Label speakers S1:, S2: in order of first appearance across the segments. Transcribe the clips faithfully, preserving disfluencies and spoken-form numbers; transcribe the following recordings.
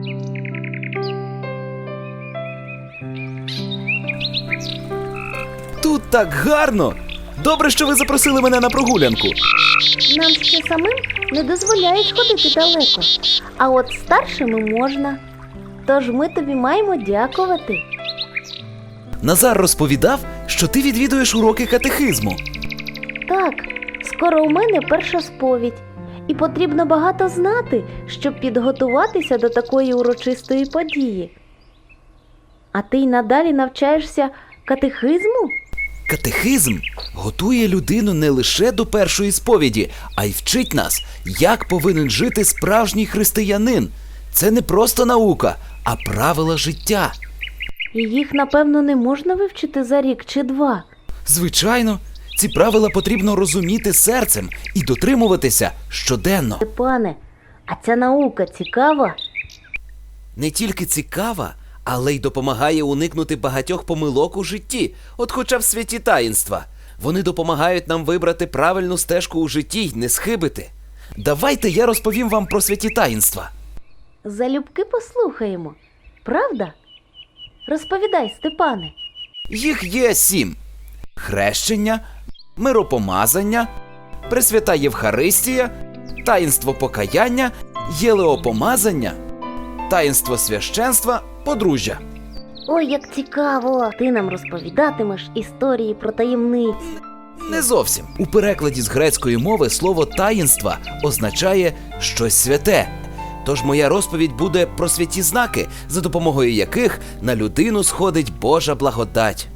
S1: Тут так гарно! Добре, що ви запросили мене на прогулянку.
S2: Нам ще самим не дозволяють ходити далеко, а от старшими можна. Тож ми тобі маємо дякувати.
S1: Назар розповідав, що ти відвідуєш уроки катехизму.
S2: Так, скоро у мене перша сповідь, і потрібно багато знати, щоб підготуватися до такої урочистої події. А ти й надалі навчаєшся катехизму?
S1: Катехизм готує людину не лише до першої сповіді, а й вчить нас, як повинен жити справжній християнин. Це не просто наука, а правила життя.
S2: І їх, напевно, не можна вивчити за рік чи два.
S1: Звичайно, ці правила потрібно розуміти серцем і дотримуватися щоденно.
S2: Степане, а ця наука цікава?
S1: Не тільки цікава, але й допомагає уникнути багатьох помилок у житті, от хоча б святі таїнства. Вони допомагають нам вибрати правильну стежку у житті й не схибити. Давайте я розповім вам про святі таїнства.
S2: Залюбки послухаємо. Правда? Розповідай, Степане.
S1: Їх є сім. Хрещення, миропомазання, Пресвята Євхаристія, таїнство покаяння, єлеопомазання, таїнство священства, подружжя.
S2: Ой, як цікаво! Ти нам розповідатимеш історії про таємниці.
S1: Не зовсім. У перекладі з грецької мови слово «таїнства» означає «щось святе». Тож моя розповідь буде про святі знаки, за допомогою яких на людину сходить Божа благодать.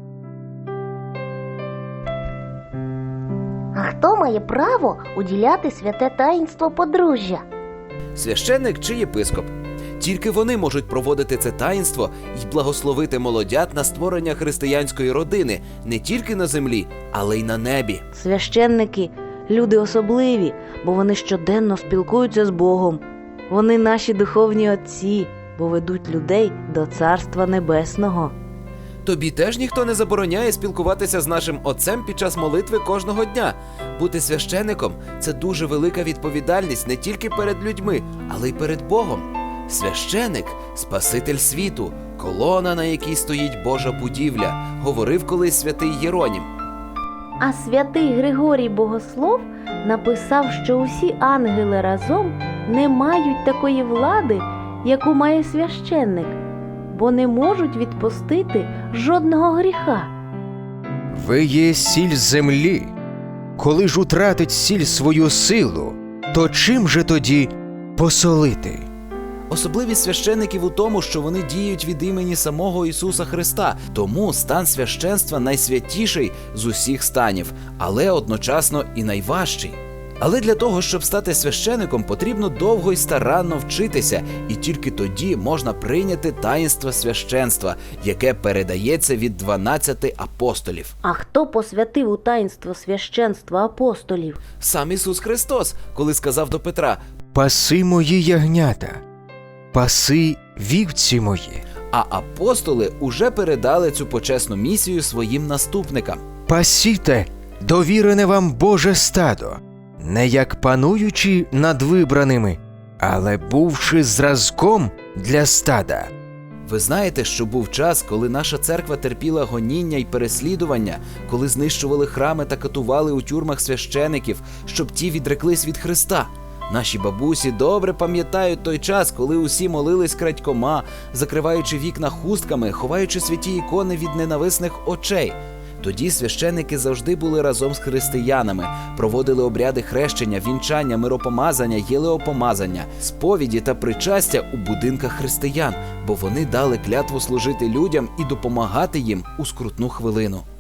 S2: А хто має право уділяти святе таїнство подружжя?
S1: Священник чи єпископ. Тільки вони можуть проводити це таїнство і благословити молодят на створення християнської родини не тільки на землі, але й на небі.
S2: Священники – люди особливі, бо вони щоденно спілкуються з Богом. Вони наші духовні отці, бо ведуть людей до Царства Небесного.
S1: Тобі теж ніхто не забороняє спілкуватися з нашим Отцем під час молитви кожного дня. Бути священником – це дуже велика відповідальність не тільки перед людьми, але й перед Богом. Священик – Спаситель світу, колона, на якій стоїть Божа будівля, говорив колись святий Єронім.
S2: А святий Григорій Богослов написав, що усі ангели разом не мають такої влади, яку має священник, бо не можуть відпустити жодного гріха.
S3: Ви є сіль землі. Коли ж утратить сіль свою силу, то чим же тоді посолити?
S1: Особливість священиків у тому, що вони діють від імені самого Ісуса Христа, тому стан священства найсвятіший з усіх станів, але одночасно і найважчий. Але для того, щоб стати священиком, потрібно довго й старанно вчитися, і тільки тоді можна прийняти таїнство священства, яке передається від дванадцяти апостолів.
S2: А хто посвятив у таїнство священства апостолів?
S1: Сам Ісус Христос, коли сказав до Петра:
S3: «Паси мої ягнята, паси вівці мої».
S1: А апостоли уже передали цю почесну місію своїм наступникам.
S3: «Пасіте довірене вам Боже стадо, не як пануючи над вибраними, але бувши зразком для стада».
S1: Ви знаєте, що був час, коли наша церква терпіла гоніння й переслідування, коли знищували храми та катували у тюрмах священиків, щоб ті відреклись від Христа. Наші бабусі добре пам'ятають той час, коли усі молились крадькома, закриваючи вікна хустками, ховаючи святі ікони від ненависних очей. Тоді священники завжди були разом з християнами, проводили обряди хрещення, вінчання, миропомазання, єлеопомазання, сповіді та причастя у будинках християн, бо вони дали клятву служити людям і допомагати їм у скрутну хвилину.